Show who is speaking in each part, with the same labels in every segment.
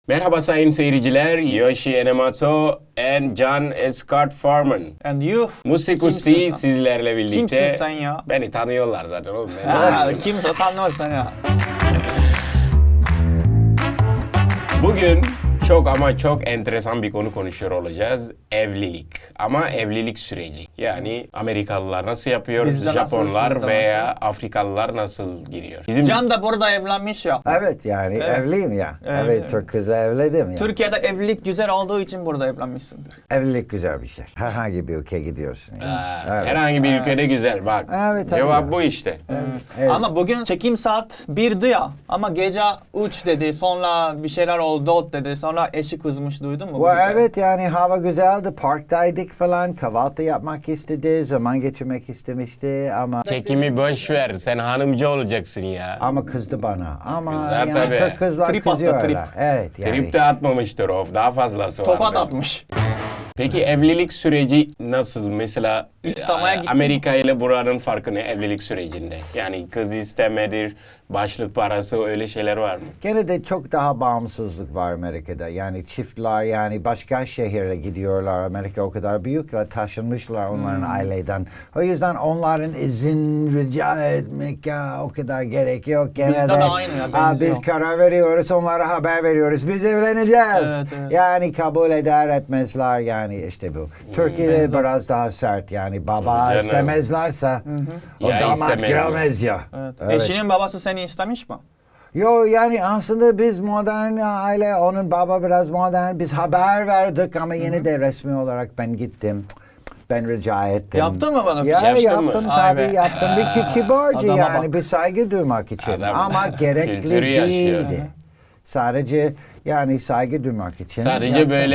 Speaker 1: Merhaba sayın seyirciler, Yoshi Enemoto and Can Escort Farman.
Speaker 2: And you?
Speaker 1: Musik
Speaker 2: Kimsin
Speaker 1: Usti
Speaker 2: sen?
Speaker 1: sizlerle birlikte.
Speaker 2: Kimsin sen ya?
Speaker 1: Beni tanıyorlar zaten oğlum.
Speaker 2: Kimse tanımaz sen ya.
Speaker 1: Bugün çok ama çok enteresan bir konu konuşuyor olacağız. Evlilik. Ama evlilik süreci. Yani Amerikalılar nasıl yapıyor,
Speaker 2: Bizde nasıl,
Speaker 1: Japonlar
Speaker 2: sizde
Speaker 1: veya
Speaker 2: nasıl?
Speaker 1: Afrikalılar nasıl giriyor? Bizim
Speaker 2: Can da burada evlenmiş ya.
Speaker 3: Evet yani evliyim ya.
Speaker 2: Evet,
Speaker 3: Evet,
Speaker 2: evet.
Speaker 3: Türk kızla evlendim ya.
Speaker 2: Türkiye'de evlilik güzel olduğu için burada evlenmişsindir.
Speaker 3: Evlilik güzel bir şey. Herhangi bir ülkeye gidiyorsun. Yani. Evet.
Speaker 1: herhangi bir ülkede güzel bak.
Speaker 3: Evet, tabii
Speaker 1: Cevap
Speaker 3: ya.
Speaker 1: bu işte.
Speaker 3: Evet.
Speaker 2: Ama bugün çekim saat 1'di ya. Ama gece 3 dedi. Sonra bir şeyler oldu dedi. Sonra eşi kızmış, duydun mu? bu gece?
Speaker 3: Evet yani hava güzeldi. Parktaydık falan. Kahvaltı yapmak istedi. Zaman geçirmek istemişti ama
Speaker 1: Çekimi boş ver. Sen hanımcı olacaksın ya.
Speaker 3: ama kızdı bana. Ama
Speaker 1: Kızar
Speaker 3: yani
Speaker 1: tabii.
Speaker 3: Türk kızlar
Speaker 2: Trip attı,
Speaker 3: kızıyorlar.
Speaker 2: trip.
Speaker 3: Evet yani.
Speaker 1: Trip de atmamıştır of. Daha fazlası vardır.
Speaker 2: Tokat atmış.
Speaker 1: Peki evlilik süreci nasıl? Mesela
Speaker 2: İstemeye gittin
Speaker 1: Amerika ile buranın farkı ne evlilik sürecinde? Yani kız istemedir, başlık parası öyle şeyler var mı?
Speaker 3: Gene de çok daha bağımsızlık var Amerika'da. Yani çiftler yani başka şehirle gidiyorlar. Amerika o kadar büyük ve taşınmışlar onların aileden. O yüzden onların izin rica etmek o kadar gerek yok. Gene
Speaker 2: Bizde de aynı ya, benziyor.
Speaker 3: biz karar veriyoruz, onlara haber veriyoruz. Biz evleneceğiz.
Speaker 2: Evet, evet.
Speaker 3: Yani kabul eder etmezler yani işte bu. Türkiye'de biraz daha sert yani baba
Speaker 1: Tabii canım.
Speaker 3: istemezlerse o
Speaker 1: Ya
Speaker 3: damat
Speaker 1: istemezler.
Speaker 3: gelmez ya.
Speaker 2: Evet.
Speaker 3: Evet.
Speaker 2: Eşinin babası seni istemiş mi?
Speaker 3: Yo yani aslında biz modern aile, onun baba biraz modern. Biz haber verdik ama yine de resmi olarak ben gittim. Ben rica ettim.
Speaker 2: Yaptın mı bana?
Speaker 3: Ya
Speaker 1: Yaptın mı?
Speaker 3: yaptım
Speaker 2: Ay
Speaker 3: tabii
Speaker 2: be.
Speaker 3: yaptım. Bir kibarca
Speaker 2: Adama
Speaker 3: yani
Speaker 2: bak.
Speaker 3: bir saygı duymak için.
Speaker 1: Adam
Speaker 3: Ama gerekli
Speaker 1: kültürü yaşıyor.
Speaker 3: değildi. Sadece yani saygı duymak için.
Speaker 1: Sadece
Speaker 3: yaptım.
Speaker 1: böyle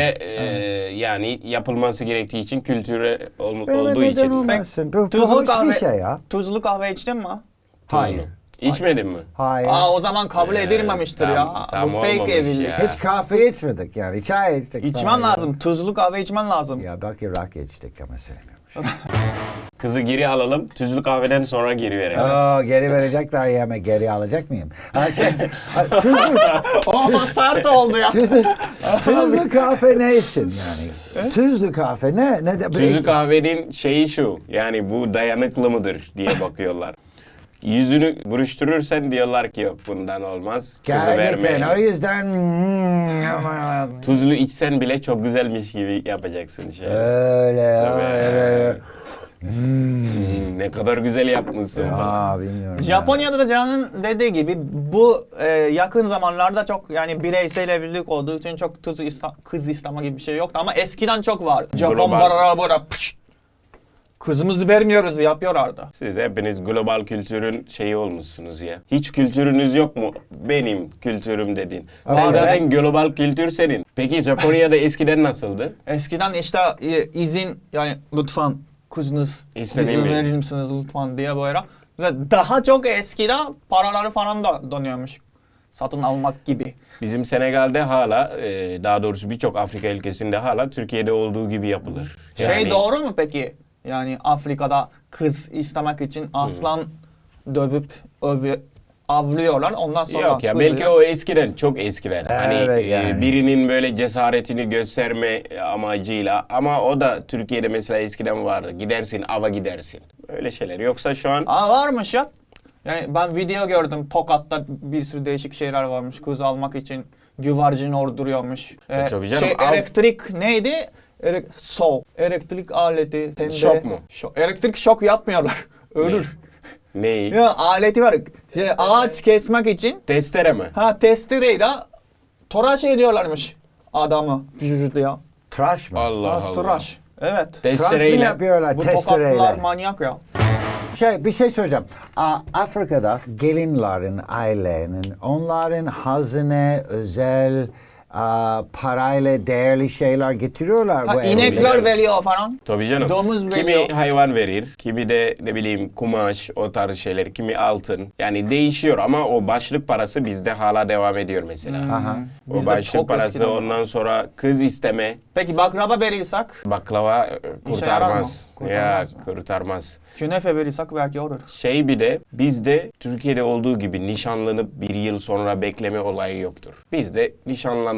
Speaker 1: yani yapılması gerektiği için kültürel
Speaker 3: Böyle
Speaker 1: olduğu
Speaker 3: neden
Speaker 1: için.
Speaker 3: olmasın? Bu
Speaker 2: Tuzlu
Speaker 3: hoş
Speaker 2: kahve,
Speaker 3: bir şey ya.
Speaker 2: Tuzlu kahve içtin mi?
Speaker 3: Hayır.
Speaker 1: Tuzlu. İçmedin mi?
Speaker 3: Hayır.
Speaker 2: O zaman kabul edilmemiştir ya.
Speaker 1: tam
Speaker 2: Bu fake
Speaker 1: olmamış
Speaker 2: evlilik.
Speaker 1: ya.
Speaker 3: Hiç kahve içmedik yani. Çay içtik.
Speaker 2: İçmen
Speaker 3: falan.
Speaker 2: lazım. Tuzlu kahve içmen lazım.
Speaker 3: Ya belki rakı içtik ama sevmiyorum.
Speaker 1: Kızı geri alalım, tuzlu kahveden sonra geri verelim.
Speaker 3: Geri verecekler ya ama geri alacak mıyım? Tuzlu,
Speaker 2: O sert oldu ya.
Speaker 3: tuzlu kahve ne için yani? Tuzlu kahve ne de
Speaker 1: Tuzlu kahvenin şeyi şu, yani bu dayanıklı mıdır diye bakıyorlar. Yüzünü buruşturursan diyorlar ki yok bundan olmaz, kızı
Speaker 3: Gerçekten o
Speaker 1: vermeyin.
Speaker 3: yüzden
Speaker 1: Tuzlu içsen bile çok güzelmiş gibi yapacaksın şey.
Speaker 3: öyle
Speaker 1: Tabii.
Speaker 3: öyle.
Speaker 1: Ne kadar güzel yapmışsın.
Speaker 3: Bilmiyorum.
Speaker 2: Japonya'da da Can'ın dediği gibi bu yakın zamanlarda çok yani bireysel evlilik olduğu için çok kız isteme gibi bir şey yoktu ama eskiden çok vardı. Japon
Speaker 1: Global.
Speaker 2: bara pşt, kızımızı vermiyoruz yapıyorlardı.
Speaker 1: Siz hepiniz global kültürün şeyi olmuşsunuz ya. Hiç kültürünüz yok mu? Benim kültürüm dedin. Sen
Speaker 3: Var be.
Speaker 1: zaten global kültür senin. Peki Japonya'da eskiden nasıldı?
Speaker 2: Eskiden işte izin yani lütfen kızınız
Speaker 1: İstediğim mi?
Speaker 2: verir misiniz lütfen diye böyle. Ve daha çok eskiden paraları falan da dönüyormuş. Satın almak gibi.
Speaker 1: Bizim Senegal'de hala, daha doğrusu birçok Afrika ülkesinde hala Türkiye'de olduğu gibi yapılır.
Speaker 2: Şey doğru mu peki? Yani Afrika'da kız istemek için aslan dövüp avlıyorlar. Ondan sonra
Speaker 1: Yok ya,
Speaker 2: kızı-
Speaker 1: belki o eskiden, çok eskiden. Hani
Speaker 3: Evet, yani.
Speaker 1: birinin böyle cesaretini gösterme amacıyla, ama o da Türkiye'de mesela eskiden vardı. Gidersin, ava gidersin. Öyle şeyler. Yoksa şu an
Speaker 2: Varmış ya. Yani ben video gördüm. Tokat'ta bir sürü değişik şeyler varmış. Kız almak için güvercin orduruyormuş.
Speaker 1: tabii canım,
Speaker 2: Elektrik neydi? Elektrik aleti.
Speaker 1: Şok mu?
Speaker 2: Elektrik şok yapmıyorlar. Ölür.
Speaker 1: neyi?
Speaker 2: Ya aleti var. Ağaç kesmek için
Speaker 1: Testere mi?
Speaker 2: testereyle tıraş ediyorlarmış adamı. Ya.
Speaker 3: Tıraş mı?
Speaker 1: Allah Allah.
Speaker 2: Tıraş. Evet.
Speaker 3: Tıraş mı
Speaker 1: Testereyle.
Speaker 3: yapıyorlar
Speaker 2: Bu Tokatlılar
Speaker 3: testereyle?
Speaker 2: manyak ya.
Speaker 3: Bir şey söyleyeceğim. Afrika'da gelinlerin, ailenin, onların hazine, özel parayla değerli şeyler getiriyorlar. bu
Speaker 2: İnekler
Speaker 3: evliliğe.
Speaker 2: veriyor falan.
Speaker 1: Tabii canım.
Speaker 2: Domuz
Speaker 1: Kimi
Speaker 2: veriyor.
Speaker 1: hayvan verir, kimi de ne bileyim kumaş, o tarz şeyler, kimi altın. Yani değişiyor ama o başlık parası bizde hala devam ediyor mesela.
Speaker 3: Aha.
Speaker 1: O
Speaker 2: Bizde
Speaker 1: başlık
Speaker 2: çok
Speaker 1: parası,
Speaker 2: eskiden var.
Speaker 1: ondan sonra kız isteme,
Speaker 2: Peki baklava verirsek,
Speaker 1: baklava
Speaker 2: yarar mı?
Speaker 1: kurtarmaz.
Speaker 2: Kurtarmaz
Speaker 1: Ya
Speaker 2: mı?
Speaker 1: kurtarmaz.
Speaker 2: künefe verirsek belki olur.
Speaker 1: Şey, bir de bizde Türkiye'de olduğu gibi nişanlanıp bir yıl sonra bekleme olayı yoktur. Bizde nişanlandın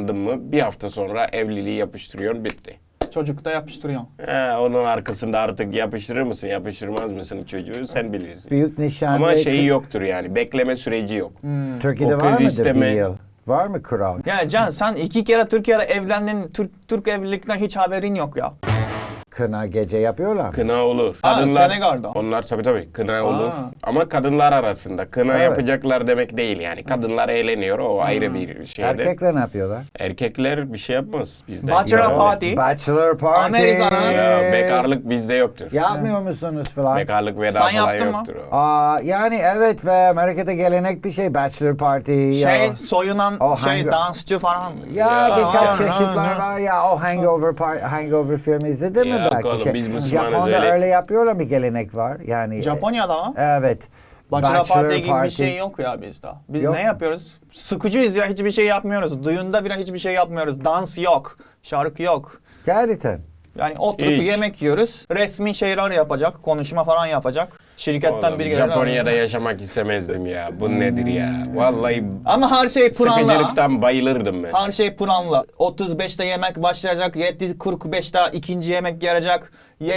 Speaker 1: boşandın mı bir hafta sonra evliliği yapıştırıyorsun, bitti.
Speaker 2: Çocuk da yapıştırıyor.
Speaker 1: Onun arkasında artık yapıştırır mısın, yapıştırmaz mısın çocuğu sen bilirsin.
Speaker 3: Büyük nişan
Speaker 1: Ama
Speaker 3: ve
Speaker 1: şeyi yoktur yani, bekleme süreci yok.
Speaker 3: Türkiye'de
Speaker 1: O
Speaker 3: var
Speaker 1: kız
Speaker 3: mıdır
Speaker 1: isteme-
Speaker 3: bir yıl? Var mı kural?
Speaker 2: Ya Can sen 2 kere Türkiye'de evlendin. Türk evlilikten hiç haberin yok ya.
Speaker 3: Kına gece yapıyorlar.
Speaker 1: Kına olur.
Speaker 2: Ha, Senegal'da.
Speaker 1: Onlar tabii kına olur.
Speaker 2: Aa.
Speaker 1: Ama kadınlar arasında kına
Speaker 3: Evet.
Speaker 1: yapacaklar demek değil yani. Kadınlar eğleniyor, o ayrı bir şeyde.
Speaker 3: Erkekler ne yapıyorlar?
Speaker 1: Erkekler bir şey yapmaz bizde.
Speaker 2: Bachelor
Speaker 1: Ya,
Speaker 2: party.
Speaker 3: Bachelor party.
Speaker 2: Amerika'da-
Speaker 1: Ya, bekarlık bizde yoktur.
Speaker 3: Yapmıyor musunuz falan?
Speaker 1: Bekarlık veda
Speaker 2: Sen
Speaker 1: falan
Speaker 2: yaptın mı?
Speaker 1: yoktur. O.
Speaker 3: Yani evet ve Amerika'da gelenek bir şey bachelor party.
Speaker 2: Şey soyunan
Speaker 3: O
Speaker 2: şey
Speaker 3: hangi-
Speaker 2: dansçı falan.
Speaker 3: Ya birkaç
Speaker 2: Aa,
Speaker 3: çeşitler
Speaker 2: aa,
Speaker 3: var ya o Hangover filmi izledin mi
Speaker 1: Yok
Speaker 3: belki?
Speaker 1: oğlum, biz Müslümanız
Speaker 3: Japon'da
Speaker 1: öyle.
Speaker 3: öyle yapıyorlar, bir gelenek var yani.
Speaker 2: Japonya'da mı?
Speaker 3: Evet.
Speaker 2: Bachelor party gibi bir şey yok ya bizde. Biz
Speaker 3: Yok.
Speaker 2: ne yapıyoruz? Sıkıcıyız ya, hiçbir şey yapmıyoruz. Düğünde bile hiçbir şey yapmıyoruz. Dans yok, şarkı yok.
Speaker 3: Gerçekten.
Speaker 2: Yani oturup
Speaker 1: Hiç.
Speaker 2: yemek yiyoruz. Resmi şeyler yapacak, konuşma falan yapacak. Şirketten
Speaker 1: Oğlum,
Speaker 2: biri gelir.
Speaker 1: Japonya'da yaşamak istemezdim ya. Bu nedir ya? Vallahi
Speaker 2: Ama her şey planla.
Speaker 1: sıkıcılıktan bayılırdım ben.
Speaker 2: Her şey planla. 35'te yemek başlayacak, 7.45'te ikinci yemek gelecek.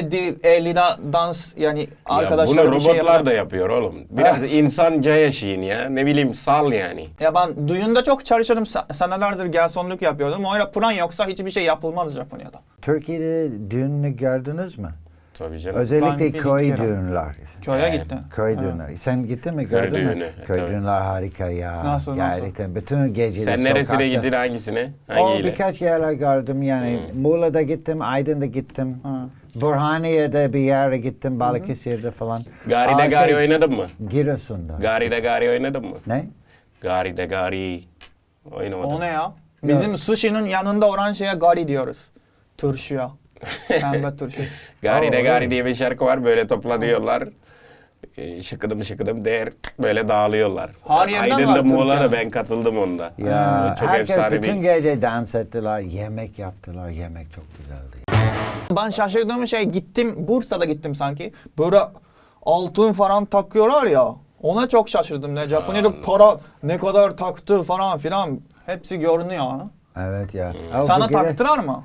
Speaker 2: 7.50'de dans, yani
Speaker 1: Ya
Speaker 2: arkadaşlar
Speaker 1: bunu
Speaker 2: bir şey
Speaker 1: robotlar
Speaker 2: yapacak.
Speaker 1: da yapıyor oğlum. Biraz insanca yaşayın ya. Ne bileyim, sal yani.
Speaker 2: Ya ben düğünde çok çalışıyordum. Senelerdir garsonluk yapıyordum. Öyle plan yoksa hiçbir şey yapılmaz Japonya'da.
Speaker 3: Türkiye'de düğünü gördünüz mü?
Speaker 1: Tabii canım.
Speaker 2: Ben
Speaker 3: Özellikle
Speaker 2: bir
Speaker 3: köy
Speaker 2: kere.
Speaker 3: düğünler.
Speaker 2: Köye
Speaker 1: Evet.
Speaker 2: gittim.
Speaker 3: Köy düğünleri. Sen gittin mi, gördün mü?
Speaker 1: düğünü,
Speaker 3: Köy
Speaker 1: tabii.
Speaker 3: düğünler harika ya.
Speaker 2: Nasıl?
Speaker 3: Gerçekten bütün geceleri
Speaker 1: Sen neresine
Speaker 3: sokakta.
Speaker 1: gittin, hangisine?
Speaker 3: O
Speaker 1: Hangiyle?
Speaker 3: birkaç yerler gördüm yani. Muğla'da gittim, Aydın'da gittim.
Speaker 2: Ha.
Speaker 3: Burhaniye'de bir yere gittim, Balıkesir'de falan.
Speaker 1: Gari'de Gari oynadın mı?
Speaker 3: Giresun'da.
Speaker 1: Gari'de Gari oynadın mı?
Speaker 3: Ne?
Speaker 1: Gari'de Gari oynamadım.
Speaker 2: O ne ya? Bizim sushi'nin yanında olan şeye gari diyoruz. Turşuya. Pembe turşu.
Speaker 1: Gari'de
Speaker 3: Aa,
Speaker 1: Gari
Speaker 3: öyle.
Speaker 1: diye bir şarkı var, böyle toplanıyorlar. Şıkıdım şıkıdım der, böyle dağılıyorlar.
Speaker 2: Her yerden var
Speaker 1: Aydın'da Muğla'da
Speaker 2: Türkiye'de.
Speaker 1: ben katıldım onda.
Speaker 3: Ya
Speaker 1: Çok
Speaker 3: herkes
Speaker 1: efsane
Speaker 3: bütün
Speaker 1: bir...
Speaker 3: gece dans ettiler, yemek yaptılar. Yemek çok güzeldi.
Speaker 2: Ben şaşırdığım şey, gittim Bursa'da gittim sanki. Böyle altın falan takıyorlar ya. Ona çok şaşırdım. Ne Japonya'da para ne kadar taktı falan filan. Hepsi görünüyor. Ha?
Speaker 3: Evet ya.
Speaker 2: Sana
Speaker 3: Bu gece-
Speaker 2: taktılar mı?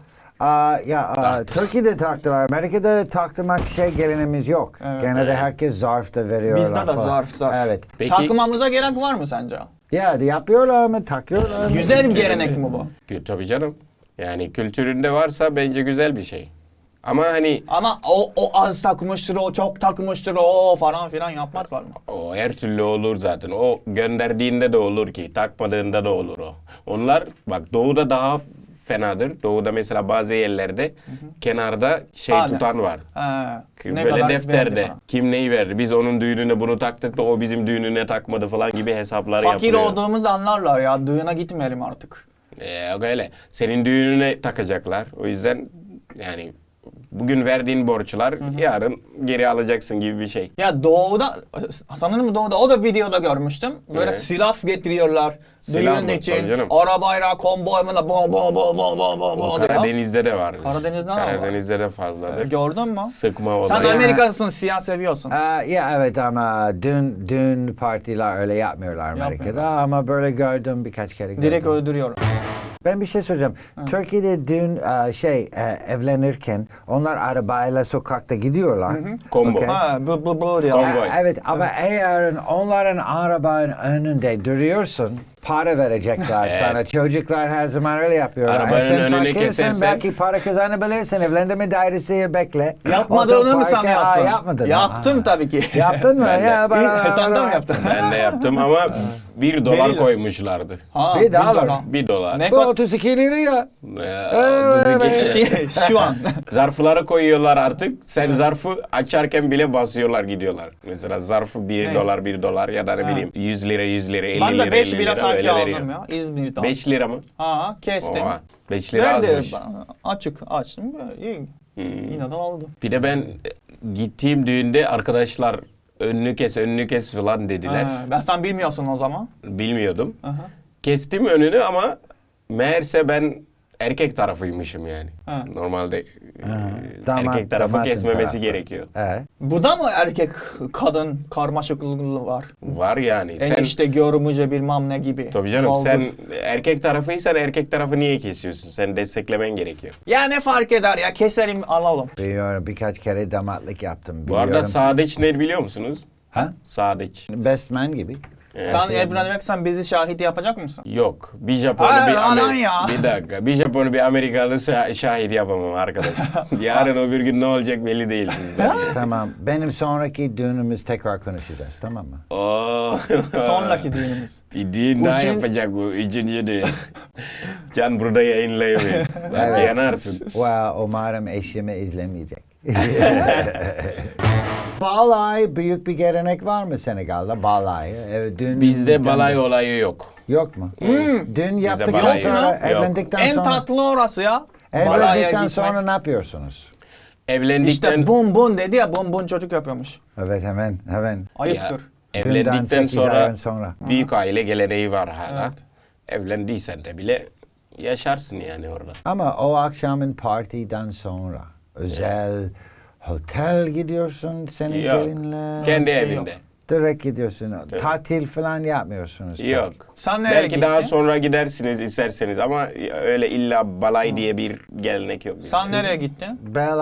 Speaker 3: Türkiye'de taktılar. Amerika'da taktırmak gelenimiz yok.
Speaker 2: Evet.
Speaker 3: Genelde herkes zarf da veriyorlar
Speaker 2: Bizde de
Speaker 3: falan.
Speaker 2: zarf.
Speaker 3: Evet.
Speaker 1: Peki,
Speaker 2: Takmamıza gerek var mı sence?
Speaker 3: Ya yapıyorlar mı? Takıyorlar mı?
Speaker 2: Güzel bir gelenek mi bu?
Speaker 1: tabii canım. Yani kültüründe varsa bence güzel bir şey. Ama hani
Speaker 2: Ama o az takmıştır, o çok takmıştır, o falan filan yapmazlar mı?
Speaker 1: o her türlü olur zaten. O gönderdiğinde de olur ki, takmadığında da olur o. Onlar bak, doğuda daha fenadır. Doğuda mesela bazı yerlerde kenarda şey
Speaker 2: Hane.
Speaker 1: tutan var.
Speaker 2: He, ne
Speaker 1: Böyle
Speaker 2: kadar
Speaker 1: defterde
Speaker 2: verdi falan.
Speaker 1: kim neyi verdi? Biz onun düğününe bunu taktık da o bizim düğününe takmadı falan gibi hesaplar
Speaker 2: Fakir
Speaker 1: yapılıyor.
Speaker 2: olduğumuz anlarlar ya, düğüne gitmeyelim artık.
Speaker 1: Yok öyle. Senin düğününe takacaklar. O yüzden yani bugün verdiğin borçlar yarın geri alacaksın gibi bir şey.
Speaker 2: Ya doğuda, sanırım doğuda, o da videoda görmüştüm. Böyle
Speaker 1: Evet.
Speaker 2: silah getiriyorlar
Speaker 1: Silah
Speaker 2: düğün
Speaker 1: mı? Tabii
Speaker 2: için.
Speaker 1: canım.
Speaker 2: Arabayla, konvoyla, bom bom bom bom bom bom
Speaker 1: O
Speaker 2: bom diye.
Speaker 1: Karadeniz'de de var.
Speaker 2: Karadeniz'de de var.
Speaker 1: Karadeniz'de de fazladır.
Speaker 2: Gördün mü?
Speaker 1: Sıkma
Speaker 2: Sen
Speaker 1: olayı.
Speaker 2: Amerika'sın, siyah seviyorsun.
Speaker 3: Ya evet ama dün partiler öyle yapmıyorlar Amerika'da
Speaker 2: Yapmıyorlar.
Speaker 3: ama böyle gördüm birkaç kere gördüm.
Speaker 2: Direkt öldürüyor.
Speaker 3: Ben bir şey soracağım. Türkiye'de dün evlenirken onlar arabayla sokakta gidiyorlar.
Speaker 1: Combo.
Speaker 3: Okey.
Speaker 2: Ha, bu diyor.
Speaker 1: Konvoy.
Speaker 3: Evet ama eğer onların arabanın önünde duruyorsun, para verecekler
Speaker 1: Evet.
Speaker 3: sana. Çocuklar her zaman öyle yapıyorlar.
Speaker 1: Arabanın
Speaker 3: Sen
Speaker 1: önüne
Speaker 3: fakirsin,
Speaker 1: kesersen-
Speaker 3: belki para kazanabilirsin. Evlendirme dairesi bekle.
Speaker 2: Yapmadığını mı
Speaker 3: Otoparka-
Speaker 2: sanıyorsun?
Speaker 3: Yapmadın.
Speaker 2: Yaptım
Speaker 3: Ha.
Speaker 2: tabii ki.
Speaker 3: Yaptın mı?
Speaker 1: Ben de.
Speaker 3: Ya,
Speaker 2: Sen de mi yaptın?
Speaker 1: Ben de yaptım ama $1
Speaker 2: Verilir.
Speaker 1: koymuşlardı.
Speaker 2: Ha,
Speaker 3: Bir daha
Speaker 2: $1.
Speaker 3: var.
Speaker 1: $1.
Speaker 2: Ne
Speaker 3: Bu
Speaker 2: kadar?
Speaker 3: 32 liraya.
Speaker 2: Şu an.
Speaker 1: Zarflara koyuyorlar artık. Sen zarfı açarken bile basıyorlar, gidiyorlar. Mesela zarfı $1 ya da ne
Speaker 2: Ha.
Speaker 1: bileyim 100 lira 50
Speaker 2: Ben
Speaker 1: lira
Speaker 2: de 5
Speaker 1: 50
Speaker 2: bira
Speaker 1: lira
Speaker 2: sanki
Speaker 1: öyle
Speaker 2: aldım
Speaker 1: veriyor.
Speaker 2: ya İzmir'den.
Speaker 1: 5 lira mı?
Speaker 2: Ha, kestim.
Speaker 1: Oha, 5 lira
Speaker 2: Verdi.
Speaker 1: azmış.
Speaker 2: Açık açtım. İyi. Yine de aldım.
Speaker 1: Bir de ben gittiğim düğünde arkadaşlar önünü kes falan dediler.
Speaker 2: Ha, ben sen bilmiyorsun o zaman.
Speaker 1: Bilmiyordum.
Speaker 2: Aha.
Speaker 1: Kestim önünü ama meğerse ben erkek tarafıymışım yani.
Speaker 2: Ha.
Speaker 1: Normalde
Speaker 3: Damat-
Speaker 1: erkek tarafı
Speaker 3: damatın
Speaker 1: kesmemesi
Speaker 3: tarafı.
Speaker 1: gerekiyor.
Speaker 3: Evet.
Speaker 2: Bu da mı erkek kadın karmaşıklığı var?
Speaker 1: Var yani. Sen
Speaker 2: Enişte görümce bilmem ne gibi.
Speaker 1: tabii canım
Speaker 2: Baldız.
Speaker 1: sen erkek tarafıysan erkek tarafı niye kesiyorsun? Sen desteklemen gerekiyor.
Speaker 2: Ya ne fark eder ya, keselim alalım.
Speaker 3: Biliyorum, birkaç kere damatlık yaptım.
Speaker 1: Bu arada
Speaker 3: Biliyorum.
Speaker 1: Sadıç ne biliyor musunuz?
Speaker 3: Ha?
Speaker 1: Sadıç.
Speaker 3: Best man gibi.
Speaker 2: Sen evleneceksen bizi şahit yapacak mısın?
Speaker 1: Yok. Bir Japonlu
Speaker 2: Hayır,
Speaker 1: bir
Speaker 2: lan ya.
Speaker 1: Bir dakika. Bir Japonlu bir Amerikalı şahit yapamam arkadaş. Yarın öbür gün ne olacak belli değil sizden.
Speaker 3: Tamam. Benim sonraki düğünümüz tekrar konuşacağız, tamam mı?
Speaker 1: Oo.
Speaker 2: Sonraki düğünümüz.
Speaker 1: Bir düğün daha
Speaker 2: Ucun-
Speaker 1: yapacak bu. Üçüncü düğün. Can burada yayınlayamayız. Bak
Speaker 3: Evet.
Speaker 1: yanarsın.
Speaker 3: Well, umarım eşimi izlemeyecek. Balay büyük bir gelenek var mı Senegal'da? Balay. Evet, dün
Speaker 1: Bizde balay olayı yok.
Speaker 3: yok mu? Dün yaptıktan
Speaker 1: balay
Speaker 3: sonra,
Speaker 1: yok.
Speaker 3: evlendikten
Speaker 2: En
Speaker 3: sonra,
Speaker 2: tatlı orası ya. Balaya
Speaker 3: evlendikten
Speaker 2: gitmek.
Speaker 3: sonra ne yapıyorsunuz?
Speaker 1: Evlendikten...
Speaker 2: İşte bum bum dedi ya, bum bum çocuk yapıyormuş.
Speaker 3: Evet, hemen.
Speaker 2: Ayıptır.
Speaker 3: Dünden
Speaker 1: Evlendikten
Speaker 3: 8 ay
Speaker 1: sonra
Speaker 3: sonra.
Speaker 1: büyük aile geleneği var hala.
Speaker 2: Evet.
Speaker 1: Evlendiysen de bile yaşarsın yani orada.
Speaker 3: Ama o akşamın partiden sonra özel otel gidiyorsun senin
Speaker 1: Yok.
Speaker 3: gelinle.
Speaker 1: Kendi
Speaker 2: şey
Speaker 1: evinde.
Speaker 3: Direkt gidiyorsun. Tatil falan yapmıyorsunuz.
Speaker 1: Yok.
Speaker 2: Sen nereye
Speaker 1: Belki daha
Speaker 2: gittin?
Speaker 1: sonra gidersiniz isterseniz ama öyle illa balay diye bir gelenek yok. bizde.
Speaker 2: Sen nereye gittin?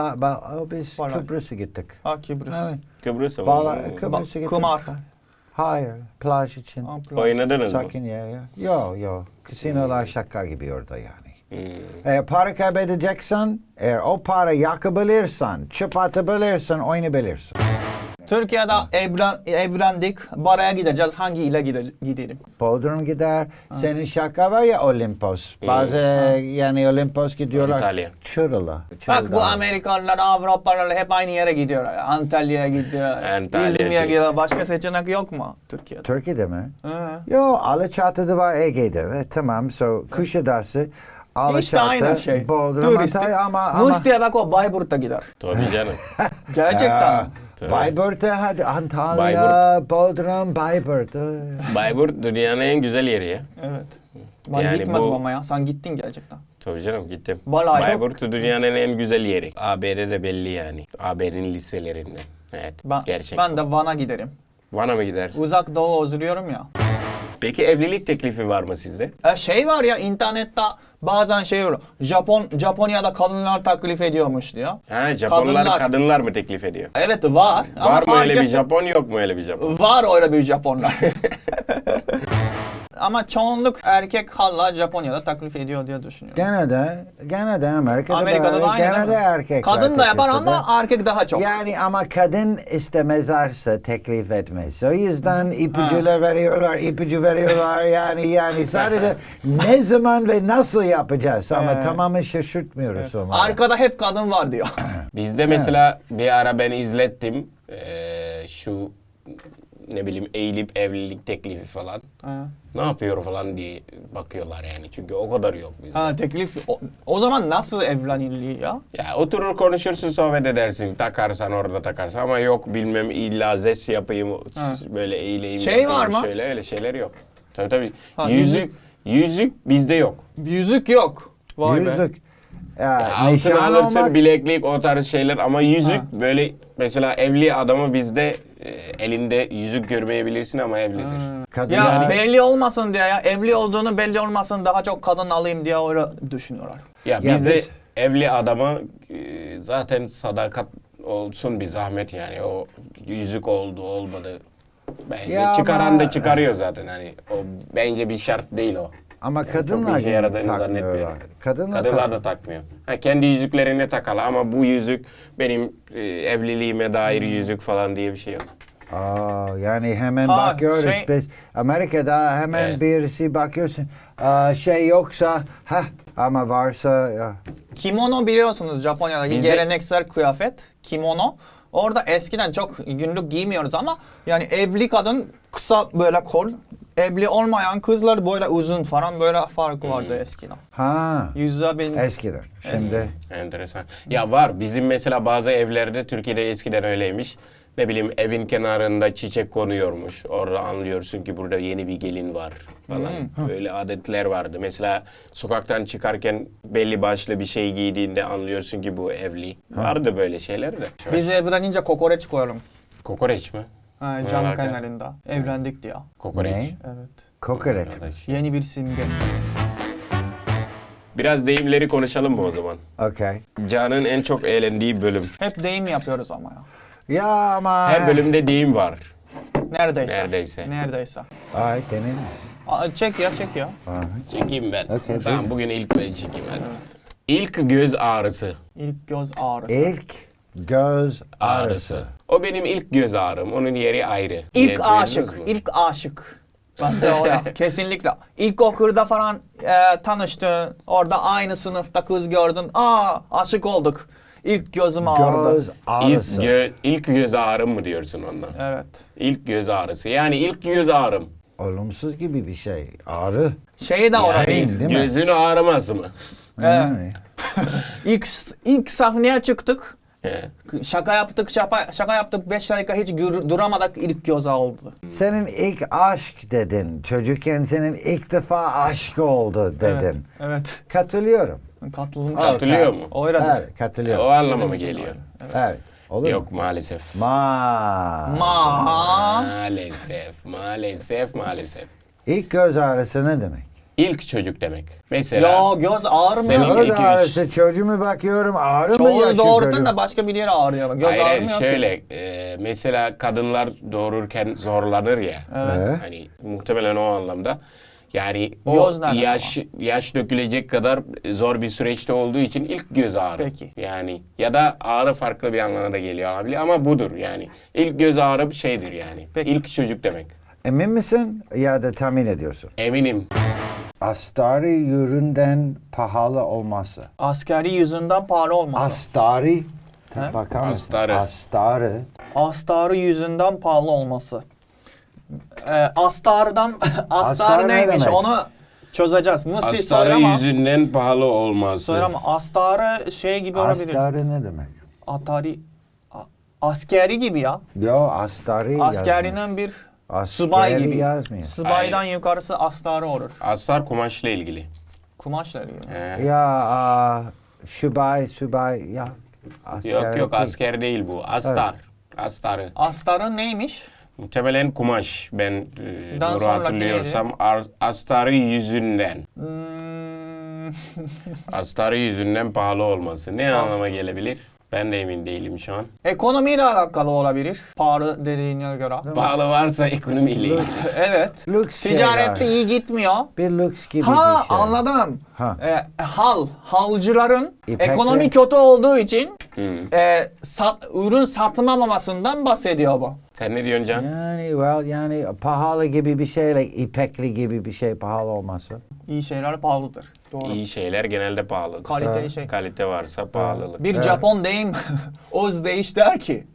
Speaker 3: Biz
Speaker 2: Balay.
Speaker 3: Kıbrıs'a gittik.
Speaker 2: Ha, Kıbrıs.
Speaker 3: Evet.
Speaker 1: Kıbrıs'a mı?
Speaker 3: Kıbrıs'a gittik.
Speaker 2: Kumar.
Speaker 3: Hayır, plaj için.
Speaker 2: Ha, plaj.
Speaker 1: Oynadınız mı?
Speaker 3: Sakin yer ya. Yok. Kasinolar şaka gibi orada yani.
Speaker 1: Hmm.
Speaker 3: Eğer para kaybedeceksen, eğer o para yakabilirsen, çöp atabilirsen oynayabilirsin.
Speaker 2: Türkiye'de evlendik. Baraya gideceğiz. Hangi ile gidelim?
Speaker 3: Bodrum gider. Senin şaka var ya Olimpos. Bazı yani Olimpos gidiyorlar.
Speaker 1: İtalya.
Speaker 3: Çıralı.
Speaker 2: Bak bu Amerikalılar, Avrupalılar hep aynı yere gidiyor. Antalya'ya gidiyor.
Speaker 1: Antalya
Speaker 2: İzmir'e
Speaker 1: şey.
Speaker 2: gidiyor. Başka seçenek yok mu Türkiye'de?
Speaker 3: Türkiye'de mi?
Speaker 2: Hı.
Speaker 3: Yo, Alaçatı'da var, Ege'de. Tamam, so Kuşadası, Alaçatı,
Speaker 2: İşte aynı şey.
Speaker 3: Bodrum,
Speaker 2: Turistik.
Speaker 3: Antalya ama...
Speaker 2: Musti'ye bak, o Bayburt'a gider.
Speaker 1: Tabii canım.
Speaker 2: Gerçekten.
Speaker 1: Tabii.
Speaker 3: Bayburt'a hadi, Antalya, Bodrum, Bayburt.
Speaker 1: Bayburt dünyanın en güzel yeri ya.
Speaker 2: Evet. Ben
Speaker 1: Yani
Speaker 2: gitmedim
Speaker 1: bu-
Speaker 2: ama ya. Sen gittin gerçekten.
Speaker 1: Tabii canım gittim.
Speaker 2: Balay.
Speaker 1: Bayburt dünyanın en güzel yeri. AB'de de belli yani. AB'nin liselerinden. Evet. Gerçekten.
Speaker 2: Ben de Van'a giderim.
Speaker 1: Van'a mı gidersin?
Speaker 2: Uzak Doğu özlüyorum ya.
Speaker 1: Peki evlilik teklifi var mı sizde?
Speaker 2: Şey var ya, internette bazen şey olur. Japonya'da kadınlar taklif ediyormuş diyor.
Speaker 1: Ha, Japonlar
Speaker 2: Kadınlar.
Speaker 1: kadınlar mı teklif ediyor?
Speaker 2: Evet var.
Speaker 1: Var mı öyle bir
Speaker 2: herkes-
Speaker 1: Japon, yok mu öyle bir Japon?
Speaker 2: Var öyle bir Japonlar. Ama çoğunluk erkek hala Japonya'da taklif ediyor diye düşünüyorum.
Speaker 3: Gene de Amerika'da,
Speaker 2: Amerika'da da aynı
Speaker 3: gene
Speaker 2: değil
Speaker 3: de
Speaker 2: mi?
Speaker 3: erkekler
Speaker 2: Kadın da yapar
Speaker 3: teklif eder.
Speaker 2: ama erkek daha çok.
Speaker 3: Yani ama kadın istemezlerse teklif etmez. O yüzden ipucular veriyorlar, ipucu veriyorlar yani sadece ne zaman ve nasıl yapacağız ama tamamen şaşırtmıyoruz onları.
Speaker 2: Arkada hep kadın var diyor.
Speaker 1: Bizde mesela bir ara ben izlettim. Şu ne bileyim eğilip evlilik teklifi falan. Ne yapıyor falan diye bakıyorlar yani. Çünkü o kadar yok bizde.
Speaker 2: Ha, teklif. O zaman nasıl evleniliyor ya?
Speaker 1: Ya oturur konuşursun, sohbet edersin. Takarsan orada takarsan ama yok bilmem illa zes yapayım, böyle eğileyim.
Speaker 2: Şey
Speaker 1: yapayım,
Speaker 2: var mı?
Speaker 1: Şöyle öyle şeyler yok. Tabii.
Speaker 2: Ha,
Speaker 1: Yüzük bizde yok.
Speaker 2: Yüzük yok. Vay be.
Speaker 3: Yüzük.
Speaker 1: Ya altın
Speaker 3: Nişan
Speaker 1: alırsın,
Speaker 3: olmak,
Speaker 1: bileklik, o tarz şeyler ama yüzük böyle mesela evli adamı bizde elinde yüzük görmeyebilirsin ama evlidir.
Speaker 2: Ya
Speaker 3: kadınlar,
Speaker 2: belli olmasın diye ya. Evli olduğunu belli olmasın, daha çok kadın alayım diye öyle düşünüyorlar.
Speaker 1: Ya
Speaker 3: Ya
Speaker 1: bizde
Speaker 3: biz-
Speaker 1: evli adama zaten sadakat olsun bir zahmet yani. O yüzük oldu olmadı. Bence
Speaker 3: Ya
Speaker 1: çıkaran
Speaker 3: ama-
Speaker 1: da çıkarıyor zaten hani. O bence bir şart değil o.
Speaker 3: ama
Speaker 1: Yani
Speaker 3: kadınlar
Speaker 1: çok işe yaradığını
Speaker 3: takmıyorlar.
Speaker 1: zannetmiyorum.
Speaker 3: Kadınlar
Speaker 1: Kadınlar da takmıyor. Ha, kendi yüzüklerini takalı ama bu yüzük benim evliliğime dair yüzük falan diye bir şey yok.
Speaker 3: Yani hemen
Speaker 2: Ha,
Speaker 3: bakıyoruz
Speaker 2: şey-
Speaker 3: biz. Amerika'da hemen
Speaker 1: Evet.
Speaker 3: birisi bakıyorsun. Şey yoksa ama varsa ya.
Speaker 2: Kimono biliyorsunuz, Japonya'daki
Speaker 1: Bizde-
Speaker 2: geleneksel kıyafet. Kimono. Orada eskiden çok günlük giymiyoruz ama yani evli kadın kısa böyle kol, evli olmayan kızlar böyle uzun falan, böyle farkı vardı eskiden. Yüzde bin.
Speaker 3: Eskiden. Şimdi
Speaker 1: Enteresan. Ya var bizim mesela bazı evlerde Türkiye'de eskiden öyleymiş. ne bileyim evin kenarında çiçek konuyormuş. Orada anlıyorsun ki burada yeni bir gelin var falan. Böyle adetler vardı. Mesela sokaktan çıkarken belli başlı bir şey giydiğinde anlıyorsun ki bu evli. Vardı böyle şeyler de.
Speaker 2: Biz evlenince kokoreç koyalım.
Speaker 1: Kokoreç mi?
Speaker 2: Ha,
Speaker 1: Ne
Speaker 2: cam
Speaker 1: alaka?
Speaker 2: kenarında. Evlendik diye.
Speaker 1: Kokoreç.
Speaker 3: Ne?
Speaker 2: Evet.
Speaker 3: Kokoreç.
Speaker 1: Arkadaş.
Speaker 2: Yeni bir simge.
Speaker 1: Biraz deyimleri konuşalım mı o zaman?
Speaker 3: Okay.
Speaker 1: Can'ın en çok eğlendiği bölüm.
Speaker 2: Hep deyim yapıyoruz ama ya.
Speaker 3: Ya ama...
Speaker 1: Her bölümde deyim var.
Speaker 2: Neredeyse.
Speaker 1: Neredeyse.
Speaker 2: Neredeyse.
Speaker 3: Ay demin.
Speaker 2: Çek ya.
Speaker 1: Çekeyim ben.
Speaker 3: Okey,
Speaker 1: Tamam
Speaker 3: buyur.
Speaker 1: bugün ilk ben çekeyim hadi. İlk göz ağrısı.
Speaker 2: İlk göz ağrısı.
Speaker 3: İlk göz ağrısı.
Speaker 1: O benim ilk göz ağrım. Onun yeri ayrı.
Speaker 2: İlk
Speaker 1: Duydunuz
Speaker 2: aşık.
Speaker 1: mu?
Speaker 2: İlk aşık. Bence o ya. Kesinlikle. İlkokulda falan tanıştın. Orada aynı sınıfta kız gördün. Aa aşık olduk. İlk gözüm ağrıdı.
Speaker 3: Göz ağrısı.
Speaker 1: İlk göz ağrım mı diyorsun ondan?
Speaker 2: Evet.
Speaker 1: İlk göz ağrısı. Yani ilk göz ağrım.
Speaker 3: Olumsuz gibi bir şey. Ağrı.
Speaker 2: Şeyi de orada değil.
Speaker 3: değil mi?
Speaker 1: Gözün ağrıması mı?
Speaker 3: Yani.
Speaker 2: İlk sahneye çıktık.
Speaker 1: He.
Speaker 2: Şaka yaptık 5 dakika hiç duramadık ilk göz aldı.
Speaker 3: Senin ilk aşk dedin. Çocukken senin ilk defa aşk oldu dedin.
Speaker 2: Evet.
Speaker 3: Katılıyorum.
Speaker 2: Katılım.
Speaker 1: Katılıyor mu?
Speaker 2: Öyledir.
Speaker 3: Evet, katılıyorum.
Speaker 1: O anlama mı geliyor?
Speaker 3: Evet. Olur
Speaker 1: Yok
Speaker 3: mu?
Speaker 1: maalesef. Maalesef.
Speaker 3: İlk göz ağrısı ne demek?
Speaker 1: İlk çocuk demek. Mesela
Speaker 2: Ya göz ağrımıyor.
Speaker 1: senin
Speaker 3: Göz
Speaker 1: iki, üç-
Speaker 3: ağrısı çocuğuma bakıyorum ağrı mı
Speaker 2: Çoğu
Speaker 3: yaşıyor?
Speaker 2: doğurtun da başka bir yere ağrıyor. Göz
Speaker 1: Hayır,
Speaker 2: ağrımıyor ki.
Speaker 1: şöyle mesela kadınlar doğururken zorlanır ya.
Speaker 3: Evet.
Speaker 1: Hani muhtemelen o anlamda. Yani
Speaker 2: Göz
Speaker 1: o
Speaker 2: nereden
Speaker 1: yaş dökülecek kadar zor bir süreçte olduğu için ilk göz ağrı.
Speaker 2: Peki.
Speaker 1: Yani ya da ağrı farklı bir anlamda da geliyor olabilir ama budur yani. İlk göz ağrı bir şeydir yani.
Speaker 2: Peki.
Speaker 1: İlk çocuk demek.
Speaker 3: Emin misin ya da tahmin ediyorsun?
Speaker 1: Eminim.
Speaker 3: Astarı üründen pahalı olması.
Speaker 2: Askeri yüzünden pahalı olması.
Speaker 3: Astarı.
Speaker 2: He?
Speaker 3: Bakar mısın?
Speaker 1: Astarı.
Speaker 3: Astarı.
Speaker 2: Astarı yüzünden pahalı olması. Astardan astar
Speaker 3: Astar ne
Speaker 2: neymiş
Speaker 3: demek?
Speaker 2: onu çözeceğiz. Musti
Speaker 1: Astarı
Speaker 2: söyleme.
Speaker 1: yüzünden pahalı olması.
Speaker 2: Söyleme. Astarı şey gibi olabilir.
Speaker 3: Astarı ne demek?
Speaker 2: Atari askeri gibi ya.
Speaker 3: Yo astarı yazmış.
Speaker 2: Askerinin bir
Speaker 3: Askeri
Speaker 2: subay gibi.
Speaker 3: yazmıyor.
Speaker 2: Subaydan
Speaker 1: Hayır.
Speaker 2: yukarısı astarı olur.
Speaker 1: Astar kumaşla ilgili.
Speaker 2: Kumaşla ilgili.
Speaker 1: He.
Speaker 3: Ya subay ya. Asker
Speaker 1: Yok
Speaker 3: değil.
Speaker 1: asker değil bu. Astar. Astarı.
Speaker 2: Astarın neymiş?
Speaker 1: Muhtemelen kumaş. Ben
Speaker 2: Dan
Speaker 1: doğru
Speaker 2: sonraki
Speaker 1: hatırlıyorsam astarı yüzünden. Astarı yüzünden pahalı olması. Ne anlama gelebilir? Ben de emin değilim şu an.
Speaker 2: Ekonomiyle alakalı olabilir. Pahalı dediğine göre.
Speaker 1: Pahalı varsa ekonomiyle ilgili.
Speaker 2: Evet.
Speaker 3: Lüks
Speaker 2: Ticarette
Speaker 3: şeyler.
Speaker 2: iyi gitmiyor.
Speaker 3: Bir lüks gibi
Speaker 2: Ha
Speaker 3: bir şey.
Speaker 2: anladım.
Speaker 3: Ha.
Speaker 2: Halcıların
Speaker 3: İpek
Speaker 2: ekonomi
Speaker 3: ve-
Speaker 2: kötü olduğu için
Speaker 1: Hmm.
Speaker 2: ürün satılmamasından bahsediyor bu.
Speaker 1: Sen ne diyorsun Can?
Speaker 3: Yani pahalı gibi bir şeyle ipekli gibi bir şey pahalı olması.
Speaker 2: İyi şeyler pahalıdır. Doğru.
Speaker 1: İyi şeyler genelde pahalıdır.
Speaker 2: Kaliteli şey.
Speaker 1: Kalite varsa pahalılık.
Speaker 2: Bir Japon deyim Oz deyiş der ki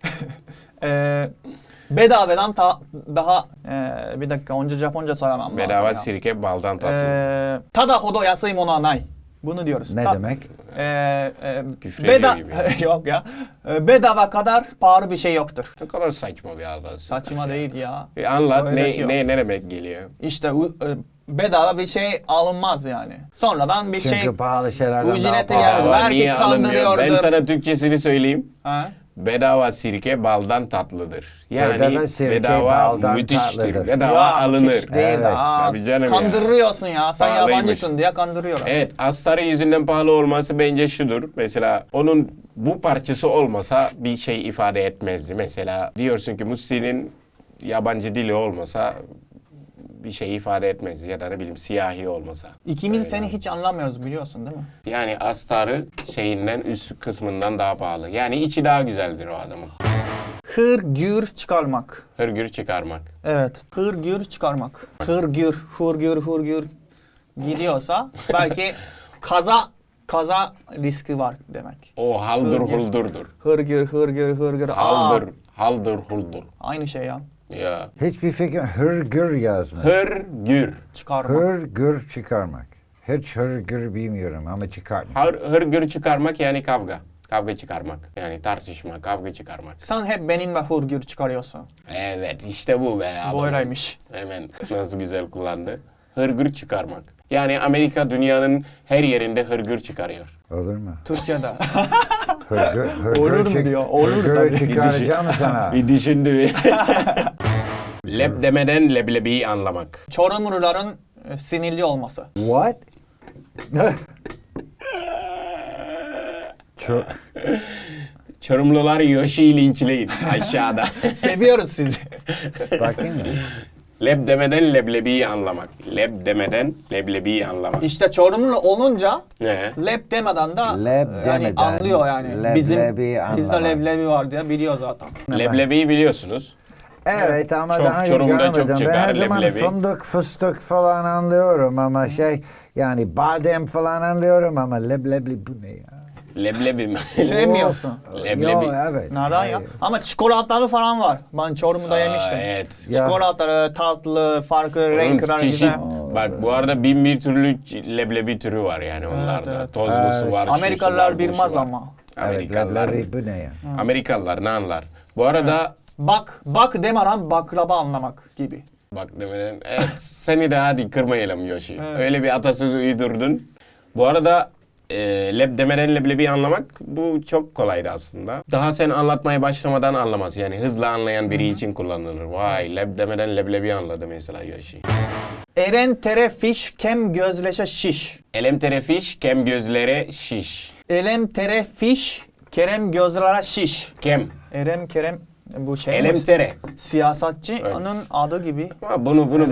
Speaker 2: bedavadan daha bir dakika önce Japonca söylemem
Speaker 1: Bedava
Speaker 2: lazım ya.
Speaker 1: sirke baldan tatlı.
Speaker 2: Tada hodo yasai mono wa nai. Bunu diyoruz.
Speaker 3: Ne demek?
Speaker 1: Küfür ediyor gibi.
Speaker 2: Yok ya. Bedava kadar pahalı bir şey yoktur.
Speaker 1: Ne kadar saçma bir adam.
Speaker 2: Saçma değil ya.
Speaker 1: Anlat
Speaker 2: Öğretiyor.
Speaker 1: ne demek geliyor?
Speaker 2: İşte bedava bir şey alınmaz yani. Sonradan bir
Speaker 3: Çünkü
Speaker 2: şey
Speaker 3: pahalı şeylerden
Speaker 2: ücreti
Speaker 3: daha pahalı.
Speaker 2: geldi. Belki
Speaker 1: Niye alınmıyor? Ben
Speaker 2: kandırıyordur.
Speaker 1: sana Türkçesini söyleyeyim.
Speaker 2: Ha?
Speaker 1: Bedava sirke baldan tatlıdır. Yani
Speaker 3: Bedava sirke
Speaker 1: bedava
Speaker 3: baldan
Speaker 1: müthiştir.
Speaker 3: tatlıdır.
Speaker 1: Bedava
Speaker 2: Ya,
Speaker 1: alınır.
Speaker 2: müthiş değil
Speaker 3: Evet.
Speaker 2: de, aa,
Speaker 1: Tabii canım ya.
Speaker 2: kandırıyorsun ya. Sen
Speaker 1: Pahalıymış.
Speaker 2: yabancısın diye kandırıyorum.
Speaker 1: Evet, astarı yüzünden pahalı olması bence şudur. Mesela onun bu parçası olmasa bir şey ifade etmezdi. Mesela diyorsun ki Musti'nin yabancı dili olmasa bir şey ifade etmezdi ya da ne bileyim siyahi olmasa.
Speaker 2: İkimiz seni hiç anlamıyoruz biliyorsun değil mi?
Speaker 1: Yani astarı şeyinden üst kısmından daha pahalı. Yani içi daha güzeldir o adamın.
Speaker 2: Hırgür çıkarmak.
Speaker 1: Hırgür çıkarmak.
Speaker 2: Evet. Hırgür çıkarmak. Hırgür gidiyorsa belki kaza riski var demek.
Speaker 1: O haldır
Speaker 2: Hırgür.
Speaker 1: huldurdur.
Speaker 2: Hırgür. Aa,
Speaker 1: Haldır huldur.
Speaker 2: aynı şey ya.
Speaker 1: Ya.
Speaker 3: Hiçbir fikir hırgür yazmış.
Speaker 1: Hırgür.
Speaker 2: Çıkarmak.
Speaker 3: Hırgür çıkarmak. Hiç hırgür bilmiyorum ama çıkartmak.
Speaker 1: Hırgür çıkarmak yani kavga. Kavga çıkarmak. Yani tartışma, kavga çıkarmak.
Speaker 2: Sen hep benimle hırgür çıkarıyorsun.
Speaker 1: Evet işte bu be abi.
Speaker 2: Böyleymiş.
Speaker 1: Hemen nasıl güzel kullandı. Hırgür çıkarmak. Yani Amerika dünyanın her yerinde hırgür çıkarıyor.
Speaker 3: Olur mu?
Speaker 2: Türkiye'de.
Speaker 3: Olur
Speaker 2: mu diyor, olur tabii.
Speaker 3: çıkaracağım mı sana?
Speaker 1: Bir düşündü. Leb demeden leblebiyi anlamak.
Speaker 2: Çorumluların sinirli olması.
Speaker 3: What? Çok...
Speaker 1: Çorumlular Yoshi'yi linçleyin aşağıda.
Speaker 2: Seviyoruz sizi.
Speaker 3: Bakayım mı?
Speaker 1: Leb demeden leblebiyi anlamak. Leb demeden leblebiyi anlamak.
Speaker 2: İşte Çorumlu olunca
Speaker 1: Ne?
Speaker 2: leb demeden de
Speaker 3: Leb
Speaker 2: yani
Speaker 3: demeden
Speaker 2: anlıyor yani.
Speaker 3: leblebi
Speaker 2: Bizde
Speaker 3: anlamak.
Speaker 2: leblebi var diye biliyor zaten.
Speaker 1: Leblebiyi biliyorsunuz.
Speaker 3: Evet ama
Speaker 1: Çok,
Speaker 3: daha iyi
Speaker 1: Çorum'da çok
Speaker 3: görmedim. Ben
Speaker 1: çıkar
Speaker 3: her zaman
Speaker 1: leblebi.
Speaker 3: fındık, fıstık falan anlıyorum ama yani badem falan anlıyorum ama leblebi bu ne ya?
Speaker 1: Leblebi mi?
Speaker 2: Sevmiyorsun.
Speaker 1: Leblebi.
Speaker 3: Yo, evet.
Speaker 2: Neden ya? Ama çikolatalı falan var. Ben Çorum'da yemiştim.
Speaker 1: Evet.
Speaker 3: Ya.
Speaker 2: Çikolatalı, tatlı, farklı
Speaker 1: Onun
Speaker 2: renkler
Speaker 1: çeşit,
Speaker 2: güzel.
Speaker 1: bak bu arada bin bir türlü leblebi türü var yani onlarda.
Speaker 2: evet.
Speaker 1: Tozlusu
Speaker 3: Evet.
Speaker 1: var, şusu
Speaker 2: Amerikalılar
Speaker 1: var,
Speaker 2: bilmez
Speaker 1: busu var.
Speaker 2: ama.
Speaker 3: Evet,
Speaker 1: Amerikalılar,
Speaker 3: leblebi bu ne ya?
Speaker 1: Amerikalılar ne anlar? Bu arada
Speaker 2: Bak demeden baklava anlamak gibi.
Speaker 1: bak demeden evet, seni de hadi kırmayalım Yoshi. Öyle bir atasözü uydurdun. Bu arada leb demeden leblebi anlamak bu çok kolaydı aslında. Daha sen anlatmaya başlamadan anlamaz. Yani hızlı anlayan biri için kullanılır. Vay leb demeden leblebi anladı mesela Yoshi.
Speaker 2: Eren tere fiş kem gözleşe şiş.
Speaker 1: Elem terefiş, kem gözlere şiş.
Speaker 2: Elem tere fiş kerem gözlere şiş.
Speaker 1: Kem.
Speaker 2: Erem kerem bu şey
Speaker 1: Elem
Speaker 2: mi?
Speaker 1: tere.
Speaker 2: Siyasetçinin
Speaker 1: Evet.
Speaker 2: adı gibi.
Speaker 1: Ama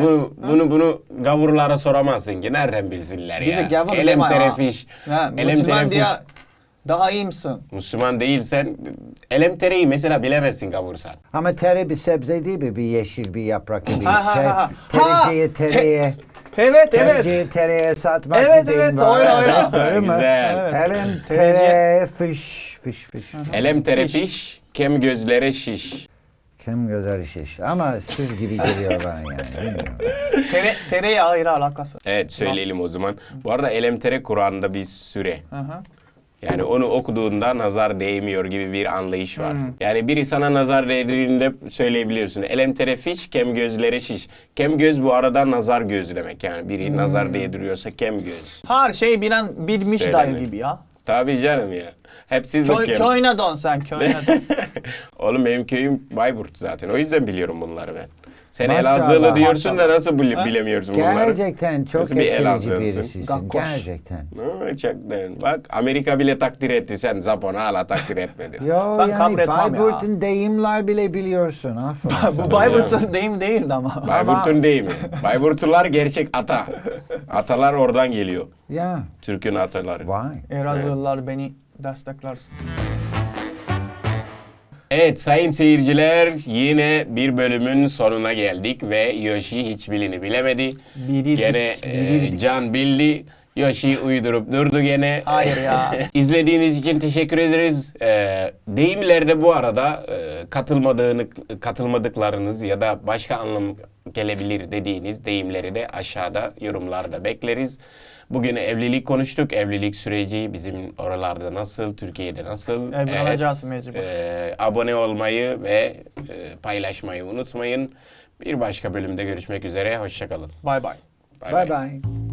Speaker 1: bunu gavurlara soramazsın ki. Nereden bilsinler ya?
Speaker 2: Bize gavur
Speaker 1: Elem
Speaker 2: deme ya.
Speaker 1: terefiş.
Speaker 2: Ha,
Speaker 1: Elem
Speaker 2: Müslüman diye
Speaker 1: terefiş.
Speaker 2: daha iyi misin?
Speaker 1: Müslüman değilsen elem tereyi mesela bilemezsin gavursan.
Speaker 3: Ama tere bir sebze değil mi? Bir yeşil bir yaprak gibi.
Speaker 2: Ha.
Speaker 3: Tereciye tereye.
Speaker 2: Evet
Speaker 3: Tereciye tereye satmak
Speaker 2: Evet,
Speaker 3: bir deyim
Speaker 2: evet,
Speaker 3: var.
Speaker 2: öyle.
Speaker 3: Öyle mi?
Speaker 1: Güzel.
Speaker 3: Elem
Speaker 2: Tereciye.
Speaker 3: tere fiş.
Speaker 1: Elem terefiş, kem gözlere şiş.
Speaker 3: Kim güzel şiş. Ama sır gibi geliyor bana yani. Bilmiyorum.
Speaker 2: Tereyağı ayrı alakası.
Speaker 1: Evet söyleyelim o zaman. Bu arada elem tere Kur'an'da bir süre.
Speaker 2: Hı hı.
Speaker 1: Yani onu okuduğunda nazar değmiyor gibi bir anlayış var.
Speaker 2: Hmm.
Speaker 1: Yani biri sana nazar değdiğinde söyleyebiliyorsun. Elem terefiş, kem gözlere şiş. Kem göz bu arada nazar göz demek. Yani biri
Speaker 2: Hmm.
Speaker 1: nazar değdiriyorsa kem göz.
Speaker 2: Her şey bilen bilmiş
Speaker 1: Söyleme.
Speaker 2: dayı gibi ya.
Speaker 1: Tabii canım ya. Hep siz bakıyorum.
Speaker 2: Köyüne dön sen köyüne dön.
Speaker 1: Oğlum benim köyüm Bayburt zaten. O yüzden biliyorum bunları ben. Sen
Speaker 3: Maşallah,
Speaker 1: Elazığlı diyorsun da nasıl
Speaker 2: Ha?
Speaker 1: bilemiyorsun bunları?
Speaker 3: Gerçekten çok
Speaker 1: Nasıl bir
Speaker 3: etkileyici
Speaker 1: Elazığlısın?
Speaker 3: birisisin.
Speaker 2: Gakkoş.
Speaker 3: Gerçekten.
Speaker 1: Gerçekten. Bak Amerika bile takdir etti. Sen Japon'a hala takdir etmedin.
Speaker 3: Yo
Speaker 2: Ben
Speaker 3: yani
Speaker 2: kabul etmem ya.
Speaker 3: Bayburt'un deyimler bile biliyorsun. Aferin.
Speaker 2: Bu Bayburt'un deyim değildi ama.
Speaker 1: Bayburt'un değil mi? Bayburtlular gerçek ata. Atalar oradan geliyor.
Speaker 3: Ya.
Speaker 1: Türk'ün ataları.
Speaker 3: Vay.
Speaker 2: Elazığlılar beni desteklersin.
Speaker 1: Evet sayın seyirciler yine bir bölümün sonuna geldik ve Yoshi hiçbirini bilemedi.
Speaker 2: Bilirdik,
Speaker 1: Gene
Speaker 2: bilirdik.
Speaker 1: Can bildi. Yoshi uydurup durdu gene.
Speaker 2: Hayır ya.
Speaker 1: İzlediğiniz için teşekkür ederiz. Deyimlerde bu arada katılmadıklarınız ya da başka anlam gelebilir dediğiniz deyimleri de aşağıda yorumlarda bekleriz. Bugün evlilik konuştuk. Evlilik süreci bizim oralarda nasıl, Türkiye'de nasıl?
Speaker 2: Evleneceğiz mecbur.
Speaker 1: Abone olmayı ve paylaşmayı unutmayın. Bir başka bölümde görüşmek üzere. Hoşça kalın.
Speaker 2: Bye bye.
Speaker 3: Bye bye.